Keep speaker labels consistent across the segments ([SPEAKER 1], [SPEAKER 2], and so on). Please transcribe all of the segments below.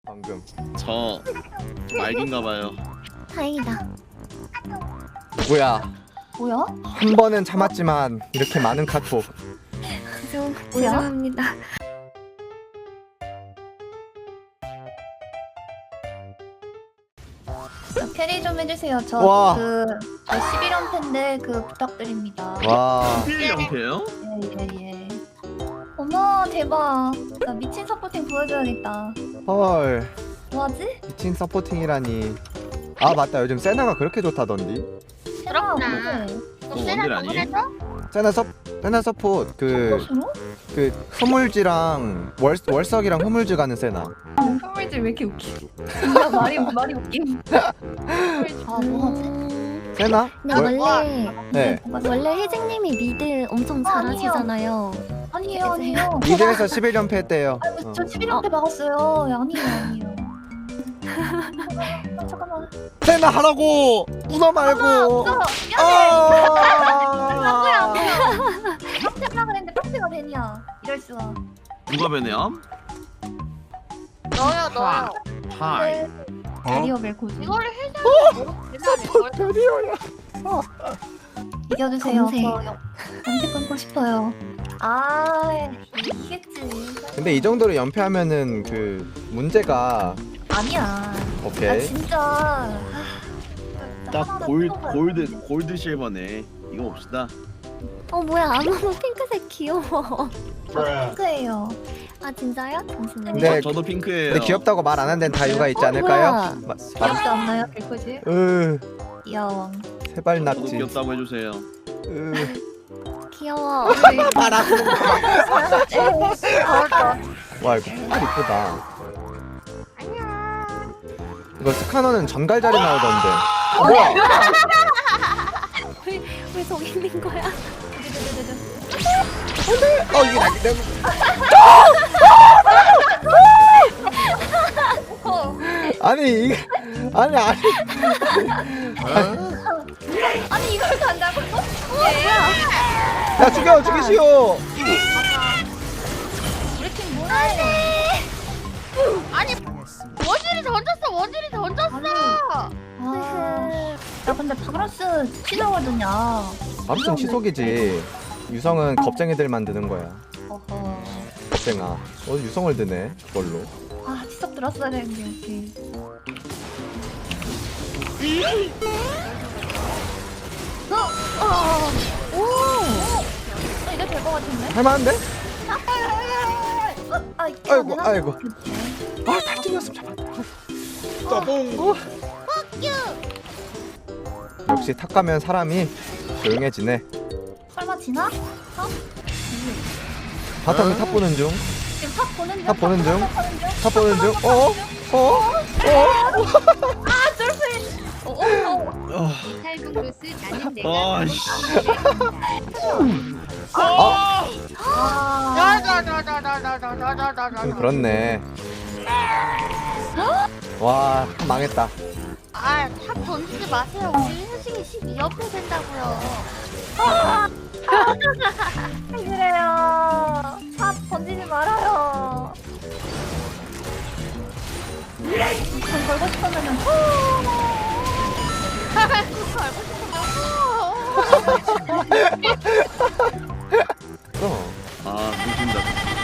[SPEAKER 1] 방금.
[SPEAKER 2] 저 말긴가봐요.
[SPEAKER 3] 다행이다.
[SPEAKER 1] 누구야?
[SPEAKER 4] 뭐야?
[SPEAKER 1] 한 번은 참았지만 이렇게 많은 카톡.
[SPEAKER 3] 죄송합니다.
[SPEAKER 4] 저 캐리 좀 해주세요.
[SPEAKER 1] 와.
[SPEAKER 4] 저 11연패인데 부탁드립니다.
[SPEAKER 1] 와.
[SPEAKER 2] 필 형태요?
[SPEAKER 4] 예예예. 어머 대박. 나 미친 서포팅 보여줘야겠다.
[SPEAKER 1] 헐.
[SPEAKER 4] 뭐하지?
[SPEAKER 1] 미친 서포팅이라니. 아 맞다, 요즘 세나가 그렇게 좋다던디.
[SPEAKER 4] 그렇구나.
[SPEAKER 2] 원딜 아니에요?
[SPEAKER 1] 세나 서포트
[SPEAKER 4] 서포트로?
[SPEAKER 1] 그 흐물지랑 월석이랑 흐물지 가는 세나.
[SPEAKER 4] 흐물질 왜 이렇게 웃기? 야 말이 웃김. 아 뭐하지?
[SPEAKER 1] 세나?
[SPEAKER 3] 근데 원래
[SPEAKER 1] 네.
[SPEAKER 3] 원래 혜진님이 미드 엄청 잘하시잖아요.
[SPEAKER 4] 아니에요.
[SPEAKER 1] 미드에서 11연패 했대요.
[SPEAKER 4] 아이고 저 11연패 막았어요. 아니에요. 잠깐만.
[SPEAKER 1] 세나 하라고. 문어 말고.
[SPEAKER 4] 없어.
[SPEAKER 1] 아.
[SPEAKER 4] 깜짝이야 그랬는데 깜짝이야 벤이야. 이럴 수가.
[SPEAKER 2] 누가 베네암?
[SPEAKER 5] 너요.
[SPEAKER 2] 하이.
[SPEAKER 4] 베리어 멜코지.
[SPEAKER 5] 이거를 해줘야
[SPEAKER 1] 드디어야.
[SPEAKER 4] 이겨주세요.
[SPEAKER 3] 검색.
[SPEAKER 4] 검색 끊고 싶어요. 아 이겠지.
[SPEAKER 1] 근데 이 정도로 연패하면은 그 문제가
[SPEAKER 4] 아니야. 나
[SPEAKER 1] 오케이.
[SPEAKER 4] 진짜.
[SPEAKER 2] 딱 골드 실버네. 이거 봅시다.
[SPEAKER 3] 뭐야 아무도 핑크색 귀여워.
[SPEAKER 4] 핑크예요.
[SPEAKER 3] 아 진짜요? 잠시만요.
[SPEAKER 1] 네.
[SPEAKER 2] 저도 핑크예요.
[SPEAKER 1] 근데 귀엽다고 말 안 한 데는 다 이유가 있지 않을까요?
[SPEAKER 3] 뭐야.
[SPEAKER 4] 귀엽지 않나요, 벨코지? 귀여워.
[SPEAKER 2] 저도
[SPEAKER 1] 세발낙지.
[SPEAKER 2] 귀엽다고 해주세요.
[SPEAKER 3] 귀여워.
[SPEAKER 1] 말하고. 와 이거 정말 이쁘다. 이거 스카너는 전갈자리 나오던데. 뭐야?
[SPEAKER 3] 왜 저기 있는 거야?
[SPEAKER 1] 이게 나기 때문에. 아니 이게 아니.
[SPEAKER 4] 아니 이걸 간다고?
[SPEAKER 1] 야 죽이시오.
[SPEAKER 4] 우리 팀 뭐해?
[SPEAKER 5] 아니 원딜이 던졌어.
[SPEAKER 4] 야 근데 바그라스 치더거든요.
[SPEAKER 1] 아무튼 치속이지. 유성은 겁쟁이들만 드는 거야.
[SPEAKER 4] 어허.
[SPEAKER 1] 겁쟁아. 유성을 드네 그걸로.
[SPEAKER 4] 아 치석 들었어야 되는데 여기. 이게 될 것 같은데?
[SPEAKER 1] 할만한데?
[SPEAKER 4] 아이고.
[SPEAKER 1] 아이고. 아 탈진이었으면 잡았다.
[SPEAKER 2] 따봉.
[SPEAKER 1] 역시 탁 가면 사람이 조용해지네.
[SPEAKER 4] 설마 지나?
[SPEAKER 1] 바텀이 탑 보는 중.
[SPEAKER 4] 지금 탑 보는 중.
[SPEAKER 1] 탑 보는 중. 탑 보는 중.
[SPEAKER 4] 아 쫄필.
[SPEAKER 5] 탈북로스 나는 내가
[SPEAKER 2] 아이씨.
[SPEAKER 1] 좀 그렇네. 와 망했다.
[SPEAKER 5] 탑 던지지 마세요. 우리 혜진이 12연패 된다고요.
[SPEAKER 4] 그래요. 탑 던지지 말아요. 전 걸고 싶었는데.
[SPEAKER 2] 아 웃긴다.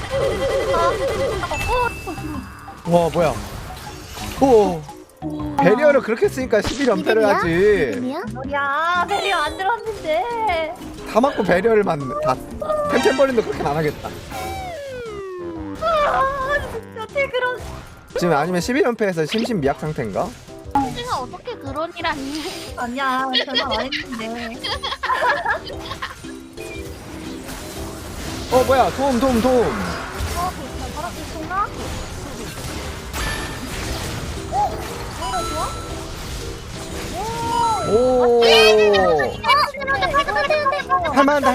[SPEAKER 1] 와 뭐야? 오. 배리어를 그렇게 쓰니까 11연패를 하지.
[SPEAKER 3] 이름이야?
[SPEAKER 4] 야 배려 안 들었는데.
[SPEAKER 1] 다 맞고 배리어를 맞네. 다 템템버린도 그렇게 안 하겠다.
[SPEAKER 4] 어떻게 그런.
[SPEAKER 1] 지금 아니면 11연패에서 심신미약 상태인가?
[SPEAKER 5] 혜진아 어떻게 그런 일 하니?
[SPEAKER 4] 아니야 별말 안 했는데.
[SPEAKER 1] 뭐야? 도움.
[SPEAKER 4] 바람 있었나?
[SPEAKER 1] 오. 할만한데.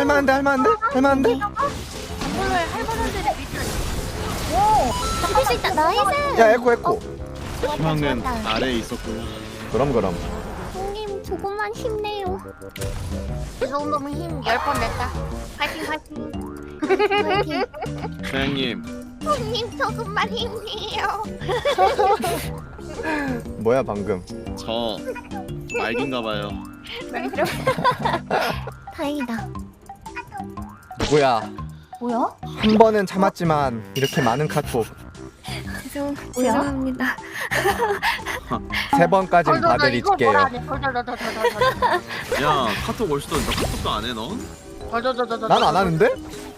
[SPEAKER 3] 잡을 수 있다. 나이스.
[SPEAKER 1] 야 에코.
[SPEAKER 2] 희망은 아래에 있었고요.
[SPEAKER 1] 그럼.
[SPEAKER 3] 형님 조금만 힘내요.
[SPEAKER 5] 이 정도면 힘 10번 냈다. 파이팅.
[SPEAKER 3] 화이팅.
[SPEAKER 2] 사장님
[SPEAKER 5] 손님 조금만 힘내요.
[SPEAKER 1] 뭐야 방금?
[SPEAKER 2] 저 말긴가봐요.
[SPEAKER 3] 다행이다.
[SPEAKER 1] 누구야?
[SPEAKER 4] 뭐야?
[SPEAKER 1] 한 번은 참았지만 이렇게 많은 카톡
[SPEAKER 3] 죄송합니다.
[SPEAKER 1] 세 번까지는 봐드릴게요.
[SPEAKER 2] 야 카톡 올 수도 있는데 카톡도 안 해 넌?
[SPEAKER 1] 난 안 하는데?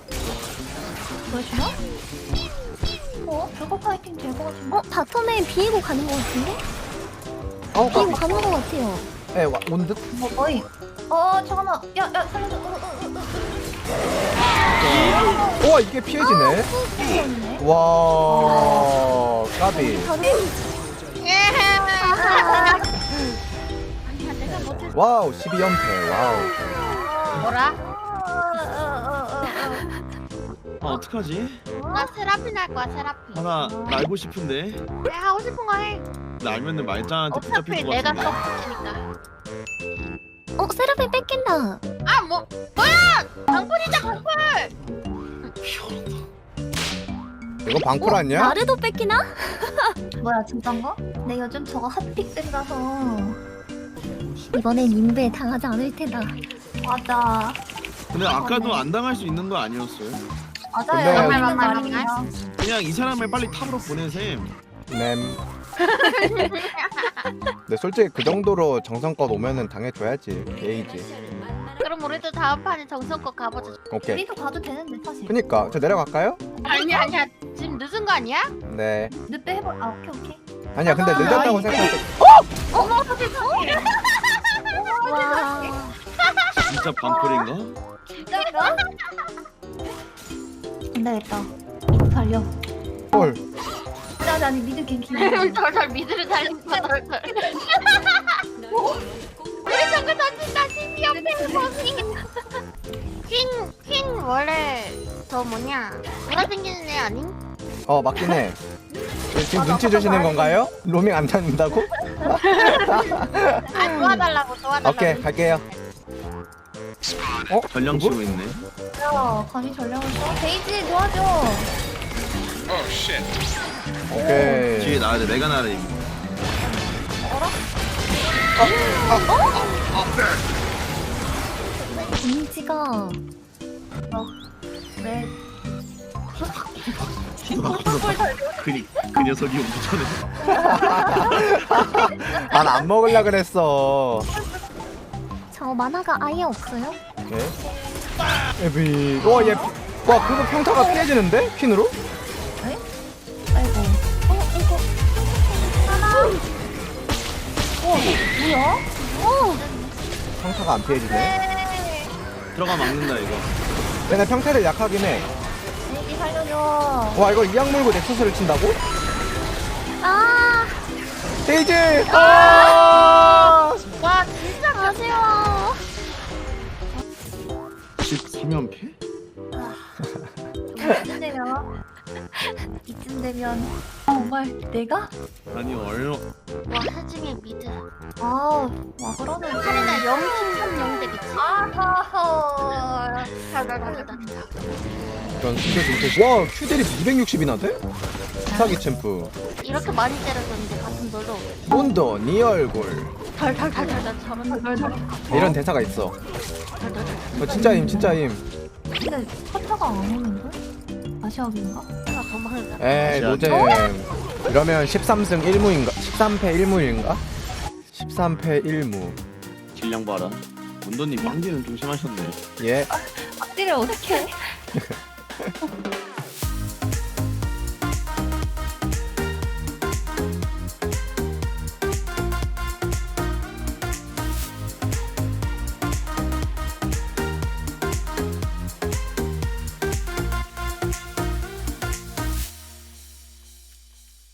[SPEAKER 4] 보여주나? 저거 파이팅 될 것 같은데?
[SPEAKER 3] 바텀에 비이고 가는 것 같은데?
[SPEAKER 1] 어,
[SPEAKER 3] 비이고 가는 것 같아요.
[SPEAKER 1] 에, 온 듯?
[SPEAKER 4] 뭐 거의 잠깐만 야 살려줘
[SPEAKER 1] 우와, 이게 피해지네?
[SPEAKER 4] 네
[SPEAKER 1] 와, 까비.
[SPEAKER 5] 아니야 내가 못했어.
[SPEAKER 1] 와우, 12연패, 와우.
[SPEAKER 5] 뭐라?
[SPEAKER 2] 아 어떡하지?
[SPEAKER 5] 나 세라핀 할 거야 세라핀.
[SPEAKER 2] 하나 날고 싶은데
[SPEAKER 5] 내가 하고 싶은 거 해.
[SPEAKER 2] 날면은 말짱한테
[SPEAKER 5] 어차피
[SPEAKER 2] 붙잡힐 것
[SPEAKER 5] 내가
[SPEAKER 2] 같은데.
[SPEAKER 5] 썩으니까.
[SPEAKER 3] 세라핀 뺏긴다.
[SPEAKER 5] 아 뭐 뭐야? 방풀이다 방풀.
[SPEAKER 1] 이거 방풀 아니야?
[SPEAKER 3] 나르도 뺏기나?
[SPEAKER 4] 뭐야 진짠가? 내 요즘 저거 핫픽들이라서
[SPEAKER 3] 이번엔 인베 당하지 않을 테다.
[SPEAKER 4] 맞아
[SPEAKER 2] 근데 아까도 안 당할 수 있는 거 아니었어요?
[SPEAKER 4] 맞아요
[SPEAKER 1] 근데-
[SPEAKER 4] 맞는 말이에요.
[SPEAKER 2] 그냥 이 사람을 빨리 탑으로 보내셈.
[SPEAKER 1] 램. 근데 솔직히 그 정도로 정성껏 오면은 당해줘야지. 예의지.
[SPEAKER 5] 그럼 우리도 다음 판에 정성껏 가보자.
[SPEAKER 1] 오케이.
[SPEAKER 4] 우리도 가도 되는데 사실
[SPEAKER 1] 그니까, 저 내려갈까요?
[SPEAKER 5] 아니야 지금 늦은 거 아니야?
[SPEAKER 1] 네.
[SPEAKER 4] 늑대 해볼 오케이
[SPEAKER 1] 아니야, 근데 늦었다고
[SPEAKER 4] 이게-
[SPEAKER 1] 생각할 때.
[SPEAKER 5] 어머 세상에.
[SPEAKER 3] 와.
[SPEAKER 2] 진짜 방풀인가?
[SPEAKER 4] 진짜인가? 안 되겠다 미드 달려
[SPEAKER 1] 헐.
[SPEAKER 4] 아니 미드 갱킹
[SPEAKER 5] 덜덜 미드를 달린 거야 덜덜. 우리 저거 던진다 신비없는 범인. 퀸 원래 저 뭐냐 돌아 생기는 애 아님?
[SPEAKER 1] 맞긴 해. 지금 눈치 주시는 건가요? 로밍 안 다닌다고?
[SPEAKER 5] 아 도와달라고.
[SPEAKER 1] 오케이, 갈게요.
[SPEAKER 2] 전령
[SPEAKER 1] 누구?
[SPEAKER 2] 치고 있네.
[SPEAKER 4] 야 감히 전령을 써? 데이지 도와줘
[SPEAKER 1] 오케이.
[SPEAKER 2] 뒤에 나야 돼. 내가 나를 이기.
[SPEAKER 3] 이미지가
[SPEAKER 4] 왜
[SPEAKER 2] 그 녀석이 오기 전에.
[SPEAKER 1] 난 안 먹으려 그랬어.
[SPEAKER 3] 저 만화가 아예 없어요?
[SPEAKER 1] 네. 에비. 와, 얘. 와, 그거 평타가 피해지는데? 퀸으로?
[SPEAKER 4] 아이고 이거 하나 뭐야?
[SPEAKER 1] 평타가 안 피해지네.
[SPEAKER 2] 들어가 막는다 이거.
[SPEAKER 1] 얘네 평타를 약하긴 해.
[SPEAKER 4] 데이지 살려줘
[SPEAKER 1] 와, 이걸 이악 물고 넥서스를 친다고?
[SPEAKER 3] 아,
[SPEAKER 1] 데이지! 아!
[SPEAKER 5] 와 진짜
[SPEAKER 3] 아쉬워.
[SPEAKER 2] 13연패?
[SPEAKER 4] 이쯤 되면 정말 내가?
[SPEAKER 2] 아니 얼마
[SPEAKER 5] 와 해중의 미드.
[SPEAKER 4] 와 그러면
[SPEAKER 5] 카리나 0.3 0대 미치.
[SPEAKER 4] 아하하
[SPEAKER 1] 이런 숨겨진 와, 큐들이 260이나 돼? 사기 챔프.
[SPEAKER 5] 이렇게 많이 때려줬는데 가슴 놀러.
[SPEAKER 1] 문도 네 얼굴.
[SPEAKER 5] 덜덜덜덜 저런
[SPEAKER 1] 이런 대사가 있어. 진짜임, 진짜임.
[SPEAKER 4] 근데 커터가 안 오는데? 아시아인가?
[SPEAKER 5] 내가 도망을 가.
[SPEAKER 1] 에이, 노잼. 이러면 13승 1무인가? 13패 1무인가? 13패 1무.
[SPEAKER 2] 질량 봐라. 문도님 빵디는 좀 심하셨네.
[SPEAKER 1] 예.
[SPEAKER 4] 앞뒤를 어떻게